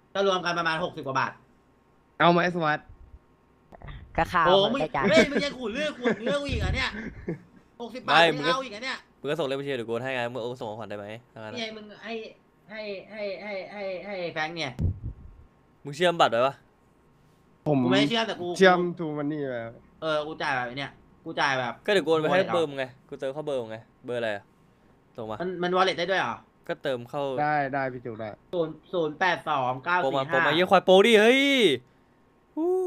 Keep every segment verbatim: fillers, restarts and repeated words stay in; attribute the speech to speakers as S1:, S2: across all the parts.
S1: ก็รวมกันประมาณหกสิบกว่าบาท
S2: เอาไหมสวัสด
S3: ก็ข้าว
S1: โอ้
S3: มัน
S1: มึง
S3: ได้จาน
S1: เฮ้ยมึงยังขูดเลือกขูดเนื้อกูอีกเหรอเนี่ยหกสิบบาทมึงเอาอีกเหรอเนี่ย
S4: มึงก็ส่งเลขบัญชีเดี๋ยวกูให้ไงมึงโอนส่งของขวัญได้ไหมทางนั้น
S1: นี่ไงมึงให้ให้ให้ให้ให้ให้แฟงเนี่ย
S4: มึงเชื่อมบัตรไว้ปะ
S2: ผม
S1: กูไม่ได้เชื่อแต่กู
S2: เชื่อมทูมันนี่แบบ
S1: เออกูจ่ายแบบเนี่ยกูจ่ายแบบ
S4: ก็เดี๋ยวกูโอนไปให้เบอร์มึงไงกูเติมเข้าเบอร์มึงไงเบอร์อะไรอะส่งมา
S1: มันมันวอลเล็ตได้ด้วยเหรอ
S4: ก็เติมเข้า
S2: ได้ได้พี่จุกได้
S1: ศูนย์ศูนย์แปดสองเก้า
S4: โปร
S1: สี่
S4: มาโปร
S1: ห้า
S4: มาเยี่ยควายโปรดิเฮ้ยฮู้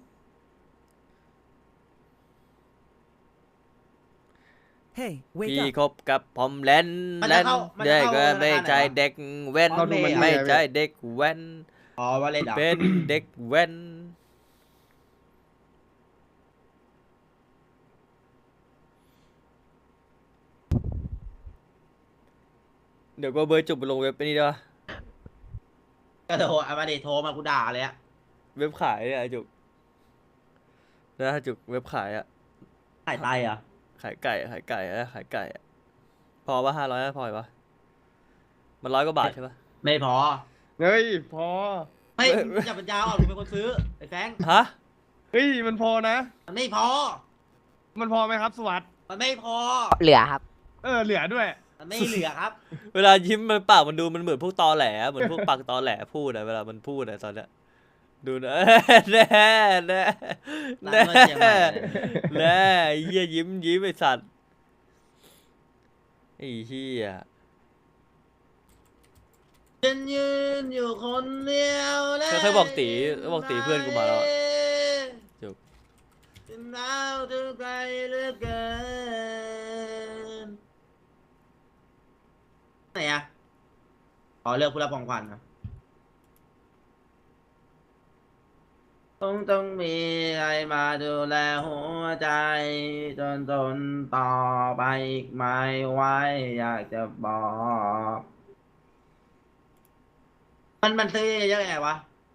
S5: Hey, wake
S4: พี่
S5: up.
S4: คบกับพอมแลนแลนเด็กไม่ใจเด็กแว้นไม่ใจเด็กแว้น
S1: อ๋อวอลเล็ตเหรอ
S4: เป็นเด็กแว้นเดี๋ยวก็เบอร์จุบไปลงเว็บไปนี่ด้วย
S1: ก็โทรเอามาดิโทรมากูด่าเลยอะ
S4: เว็บขายเนี่ยไอ้จุกนะจุกเว็บขายอะ
S1: ขายไตอ่ะ
S4: ขายไก่ขายไก่อะขายไก่อะพอปะห้าร้อยพอปะมันร้อยกว่าบาทใช่ปะ
S1: ไม่พอ
S2: เฮ้ยพอ
S1: เฮ้ยมึงจับปัญญาอ่อนมึงเป็นคนซื้อไอ้แฟง
S4: ฮะ
S2: เฮ้ยมันพอนะ
S1: มันไม่พอ
S2: มันพอไหมครับสวัสด
S1: มันไม่พอ
S3: เหลือครับ
S2: เออเหลือด้วย
S1: มันไม่เหลือครับ
S4: เวลายิ้มมันปากมันดูมันเหมือนพวกตอแหลเหมือนพวกปากตอแหลพูดอะเวลามันพูดอะตอนเนี้ยดูนะ แน่แน่
S1: ร้าน
S4: แน่
S1: นวดเชียงใหม่
S4: แน่ไอ้เหี้ยยิ้มยิ้มไอ้สัตว์ไอ้เหี้ย
S1: ฉันยืนอยู่คนเดียวและ
S4: เคยบอกตีบอกตีเพื่อนกูมาแล้วอะจุก
S1: ฉันหนาวถึงไกลเหลือเกินไหนอะขอเลือกผู้รับของขวัญนะต้องต้องมีใครมาดูแลหัวใจ จนทนต่อไปอีกไม่ไหวอยากจะบอก มันมันซื้อเยอะๆไงวะ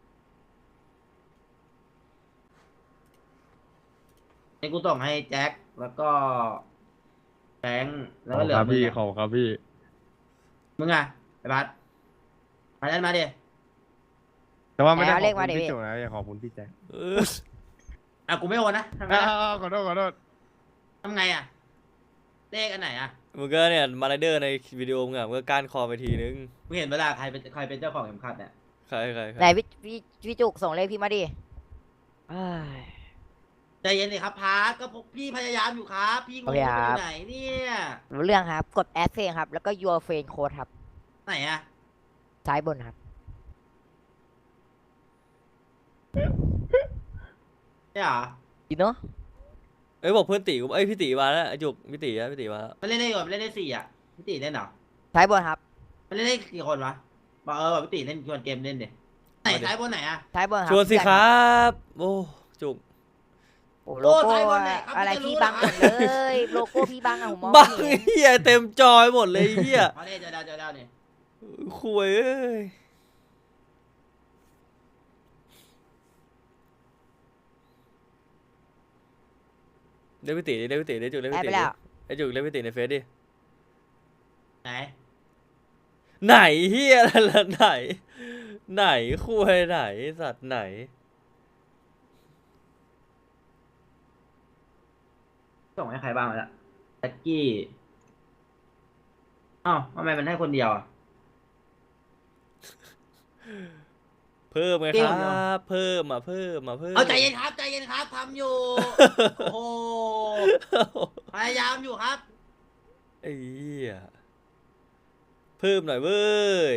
S1: นี่กูส่งให้แจ็คแล้วก็แบงค์แล้วก็เหลือ
S2: ครับ
S1: มึง
S2: พี่
S1: อะ
S2: ขอบครับพี่
S1: มึงอะไปบัสมาเล่นมาดิ
S2: แต่ว่าไม่ได้
S3: เอา
S2: ข
S3: เล
S2: อบ
S3: ข
S2: คุ
S3: มา
S2: ณ
S3: ดิ
S2: พี่
S3: พี่
S2: จุกนะอย่าขอบคุณพี่แจ็ค
S4: เออ
S1: อ่ะกูไม่โอนนะทำไง
S2: อ้า
S1: อะ
S2: วขอโทษขอโทษ
S1: ทำไงอะเลขอันไหนอะ
S4: มึงก็เนี่ยมาไรเดอร์ในวิดีโอมึงอะมึงก็ก้านคอไปทีนึง
S1: มึงเห็นเวลาใครเป็นใครเป็นเจ้าของเข็มขัดเนี่ย
S4: ใครใครใคร
S3: ไหนพี่พี่พี่จุกส่งเลขพี่มาดิเอ้ย
S1: ใจเย็นสิครับพาร์ทก็พวกพี่พยายามอยู่ครับพี่งง
S3: โอเค
S1: ว่า
S3: ค
S1: อ
S3: รับ
S1: ยู่ไหนเนี่ย
S3: รู้เรื่องครับ กดแอดเฟนครับ แล้วก็ your friend code ครับ
S1: ไหนอะ
S3: ซ้ายบนครับ
S1: เนี่ยเหรอ
S3: you know
S4: เอ้ยบอกเพื่อนตีกูเอ้ยพี่ตีมาแล้วไอ้จุกพี่ตีอะพี่ตีมาแล้ว
S1: มันเล่นได้ก่อนมันเล่นได้สี่อะพี่ตีเล่นเหรอ
S3: ซ้ายบนครับ
S1: มันเล่นได้กี่คนวะบอกเออบอกพี่ตีเล่นชวนเกมเล่นดิไหนซ้ายบนไหนอะ
S3: ซ้ายบนครับ
S4: ชวนสิครับโอ้จุก
S3: โอ้โลโก้อะไรพี่บังหมดเลย โลโก้พี่บังอะผมมอง
S4: บัง
S3: ไม่เห็น
S4: เหี้ยเต็มจอยหมดเลยเหี้ย
S1: เอาเนี่ยเจอดาวเจอดาวเนี่ย
S4: คุยเอ้ยเรียกพี่ตีดิเรียกพี่ตีดิจุกเรียก
S3: แอด
S4: พี่
S3: ไป
S4: ตีดิ
S3: แล้ว
S4: ไอ้จุกเรียกพี่ตีในเฟซดิ
S1: ไหน
S4: ไหนเฮียอะไรล่ะไหน ไหนคุยไหนสัตว์ไหน
S1: ส่งให้ใครบ้างแล้วแจ็คกี้อ้าวทำไมมันให้คนเดียวอ่ะ
S4: เพิ่มไง
S1: เกี่
S4: ค
S1: ยว
S4: รั
S1: เดียว
S4: บเพิ่มมาเพิ่มมาเพิ่ม
S1: เอาใจเย็นครับใจเย็นครับทำอยู่ โอ้โหพยายามอยู่ครับ
S4: ไอ้เหี้ยเพิ่มหน่อยเว้ย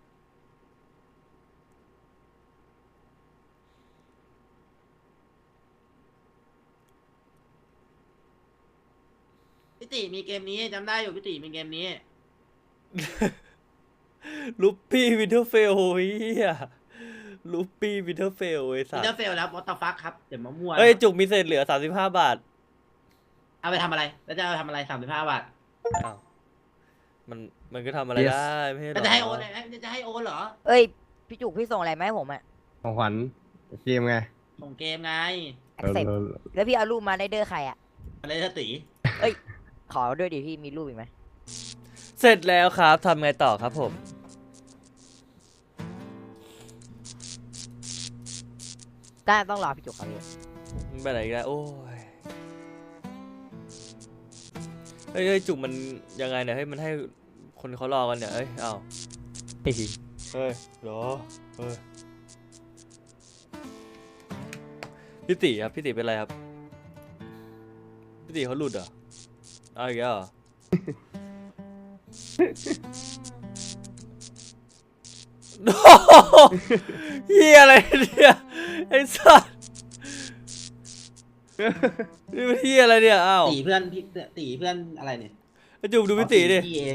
S1: พี่ติมีเกมนี้จำได้อยู่พี่ติมีเกมนี้
S4: ลูปปี้วินเทอร์เฟลเฮียลูปปี้วินเทอร์เฟลไอ้
S1: อิ
S4: สั
S1: น
S4: ต
S1: เตอ
S4: ว์
S1: ร์เฟลแล้ววอตฟักครับเดี๋ยวมามั่ว
S4: เอ้ยจุกมีเศษเหลือสามสิบห้าบาท
S1: เอาไปทำอะไรแล้วจะเอาไปทำอะไรสามสิบห้าบาท
S4: อ้าวมันมันก็ทำอะไร
S2: Yes
S4: ได้ไม่ใช่หร
S1: แล้ว
S4: อ
S1: จะให้โอนอะไรจะให้โอนเหรอ
S3: เอ้ย พี่จุกพี่ส่งอะไรมาให้ผมอะ
S2: ของขวัญเกมไง
S1: ส่งเกมไง
S3: accept
S2: เออ
S3: แล้วพี่เอารูปมาได้เดอร์ใครอะ
S1: อะไรจะตี
S3: ขอด้วยดิพี่มีรูปอีกไหม
S4: เสร็จแล้วครับทำไงต่อครับผม
S3: ได้ต้องรอพี่จุกครับพี่
S4: มึงไปไหนอีกแล้วโอ้ยเฮ้ยเฮ้ยจุกมันยังไงเนี่ยเฮ้ยมันให้คนเขารอกันเนี่ยเอ้ยเอ้าเฮ้ยเฮ้ยเหรอเฮ้ยพี่ติครับพี่ติเป็นไรครับพี่ติเขาหลุดเหรอเอาอีกแล้วเหรอ โอ้โหเฮียอะไรเนี่ยไอ้สัสนี่มันเฮียอะไรเนี่ยอ้าว
S1: ตีเพื่อนพี่ตีเพื่อนอะไรเนี่ย
S4: ไอ้จุกดูพี่ติดิ
S1: พี่เอง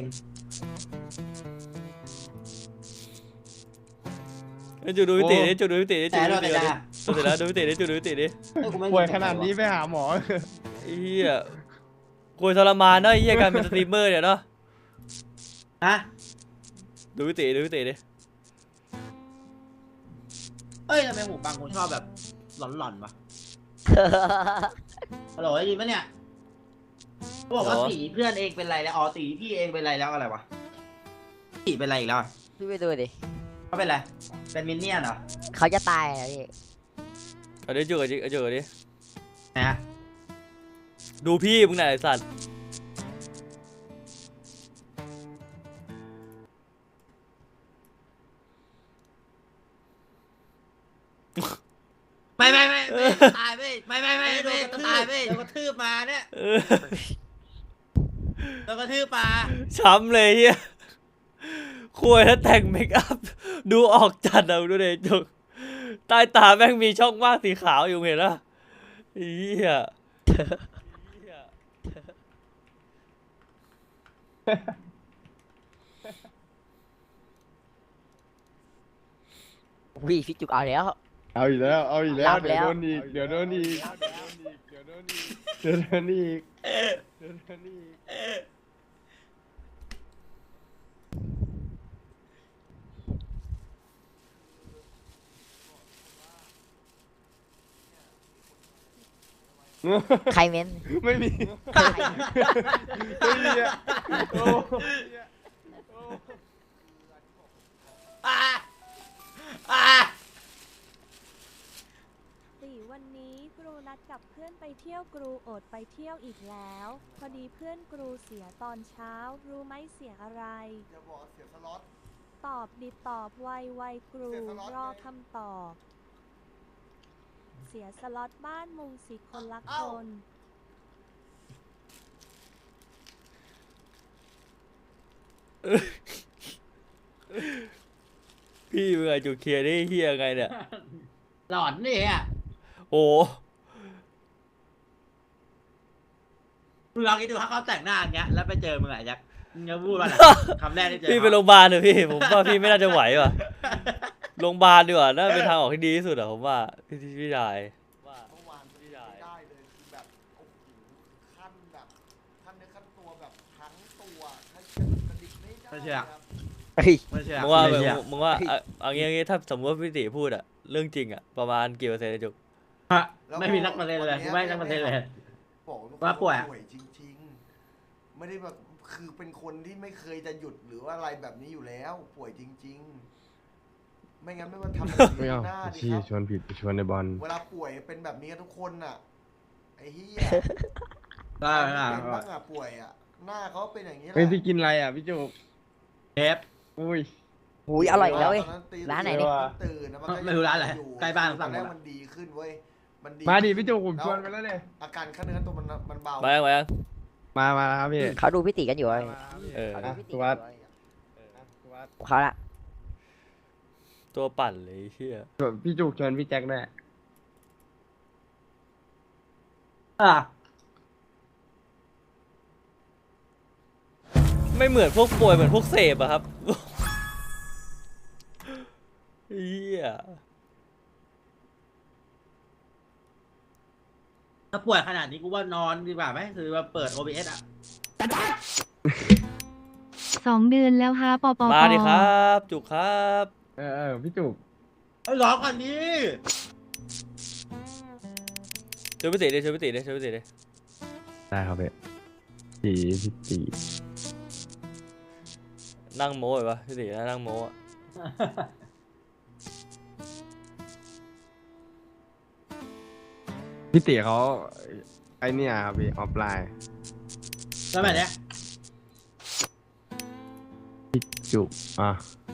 S4: ไอ้จุกดูพี่ติดิจุกดูพี่ติดิจุ
S1: แต่
S4: กดู
S1: เรา
S4: พี่
S1: แต่
S4: ติดิ
S1: จ้า
S4: จุกเสร็จแล้วดูพี่ติดิจุกดูพี่ติดิ
S2: ป่วยขนาดนี้ไปหาหมอ
S4: ไอ้เฮียกลัวทรมานเนาะไอ้เฮียการเป็นสตรีมเมอร์เนี่ยเนาะ
S1: ฮะ
S4: ดูพี่ติดูพี่ติดิ
S1: เอ้ยทำไมหูฟังกูชอบแบบหลอนๆวะฮัลโหลได้ยินปะเนี่ยเขาบอกว่าตีเพื่อนเองเป็นไรแล้วอ๋อตีพี่เองเป็นไรแล้วอะไรวะตีเป็นไรอีกแล้วอะ
S3: พี่ไปดูดิ
S1: เขาเป็นไรเป็นมินเนี่ยนเหรอ
S3: เขาจะตายอะพี่
S4: เอาดิจุกเอาดิเอาจุกเอาดิ
S1: นะ
S4: ดูพี่มึงไหนอยไอ้สัส
S1: ไม่ไม่ไม่ไม่ตายไม่ไม่ไม่ไม่ไม่ตายไม่โดนกระทืบมาเนี่ย
S4: เออ
S1: โดนกระทืบมา
S4: ช้ำเลยเฮียคุยแล้วแต่งเมคอัพดูออกจัดเอาดูดิจุกใต้ตาแม่งมีช่องว่างสีขาวอยู่เห็นปะเฮีย
S3: วิพี่จุกเอาแล้ว
S2: เอาอีกแล้ว เอาอีกแล้ว
S3: รับ
S2: เดี๋ยว
S3: แล้ว
S2: โดนอีก เดี๋ยวโดนอีก เดี๋ยวโดนอีก เดี๋ยวโดนอีก เดี๋ยวโดนอีก
S3: ใครเม้น
S2: ไม่มี ไม่มีอ่ะโอ้
S1: อ่าอ่า
S6: ตีวันนี้กรูนัดกับเพื่อนไปเที่ยวกรูอดไปเที่ยวอีกแล้ว พอดีเพื่อนกรูเสียตอนเช้า รู้ไหมเสียอะไร
S7: จะบอกเสียสล็อต
S6: ตอบดิตอบไวไวกรู
S7: เสียสล็อต
S6: รอ
S7: ไง
S6: คำตอบ เสียสล็อตบ้านมุงสิคนละคน
S4: พี่มึงไงจุกเคลียร์ได้เฮียไงเนี่ย
S1: หลอนนี่อ่ะ
S4: โอ้
S1: มึงลองคิดดูถ้าเขาแต่งหน้าอย่างเงี้ยแล้วไปเจอมึงอะยักษ์มึงจะพูดว่าอะไรคำแรกที่เจอ
S4: พี่ไปโรงพยาบาลเถอะพี่ผมว่าพี่ไม่น่าจะไหวว่ะโรงพยาบาลดีกว่าน่าเป็นทางออกที่ดีที่สุดอะผมว่าพี่พี่ชายว่า
S7: เมื่อวานไม่ได้เลยคือแบบโอ้โหขั้นแบบขั้นเนื้อขั้นตัวแบบทั้งตัวถ้ากระดิกไม่ได้
S1: ไม่เชื่อ
S7: ครับ
S3: เฮ้ย
S1: ไม่เชื่อ
S4: มึงว่า
S1: ไม่เชื่อ
S4: มึงว่าเอาเอางี้เอางี้ถ้าสมมติว่าพี่ติพูดอะเรื่องจริงอะประมาณกี่เปอร์เซ็นต์อะจุก
S1: ฮะไม่มีนักมาเล่นเลยกูไม่ให้นักมาเล่นเลย
S7: บอกเลย
S1: ว่าป่วยอะ
S7: ป่วยจริงๆ ไม่ได้แบบคือเป็นคนที่ไม่เคยจะหยุดหรือว่าอะไรแบบนี้อยู่แล้ว ป่วยจริง ๆ ไม่งั้นไม่มาทำแบบ
S2: ไม่
S7: นี้
S2: เอา
S7: หน้าดิ
S2: ชี้
S7: ครับ
S2: ชวนผิดชวนในบอล
S7: เวลาป่วยเป็นแบบนี้กันทุกคนน่ะไอ้เหี้ย
S1: ได้ไหมล่ะ
S7: เป็นบ้างอะป่วยอะหน้าเขาเป็นอย่างนี้แหละ
S2: เฮ้ยพี่กินอะไรอ่ะพี่จุก
S1: เทป
S2: อุ้ย
S3: หูยอร่อยอีกแล้วเว้ย
S7: ตอนตี
S3: ร้านไหนเนี่ย
S7: ตื่นนะมันก็
S1: ไม่รู้ร้านอะไร
S7: ยู่
S1: ใกล้บ้าน
S7: ต
S1: สั่
S7: อน
S1: ง
S7: แรก
S1: หมด
S7: มันดีขึ้นเว้ยมันดี
S2: มาดิพี่จุกผมชวนไปแล้วเนี่ย
S7: อาการขั้นเนื้อขั้นตัวมันมันเบา
S4: มายังมายัง
S2: มามาแล้วครับพี่
S3: เขาดูพี่ติกันอยู่เว้ย
S2: มาครับพี่
S4: เออ
S3: เขาดู
S2: อ่ะ
S3: พี่ติ
S2: สุ
S3: กั
S2: วัน ส
S3: อยู่
S2: ดิ์
S3: เว้ย
S2: อ่ะสุวัสดิ์
S3: เขาละ
S4: ตัวปั่นเลยไอ้เฮีย
S2: พี่จุกชวนพี่แจ็คแน่
S1: อ่ะ
S4: ไม่เหมือนพวกป่วยเหมือนพวกเสพอะครับเฮีย
S1: ถ้าป่วยขนาดนี้กูว่านอนดีกว่าไหมคือว่าเปิด โอ บี เอส อ่ะ
S6: สองเดือนแล้วฮะปอปอ
S4: มาดิครับ จุกครับ
S2: เออเออพี่จุก
S1: ไอ้ร้องก่อนนี้
S4: ช่วยพี่ติดิช่วยพี่ติดิช่วยพี่ติดิ
S2: ได้ครับพี่ตีพี่ตี
S4: นั่งโม้ไปปะพี่ตินั่งโม้อะ
S1: นั่งโม้นั่งโม้
S4: นั่งโม้
S1: โม้
S4: อะ
S1: อะ
S4: นั่งโม้อะ
S2: พี่เตี๋ยเขาไอเนี่ยครับพี่ออฟไลน์
S1: แล้วแบบเนี้ย
S2: จุกอ่ะ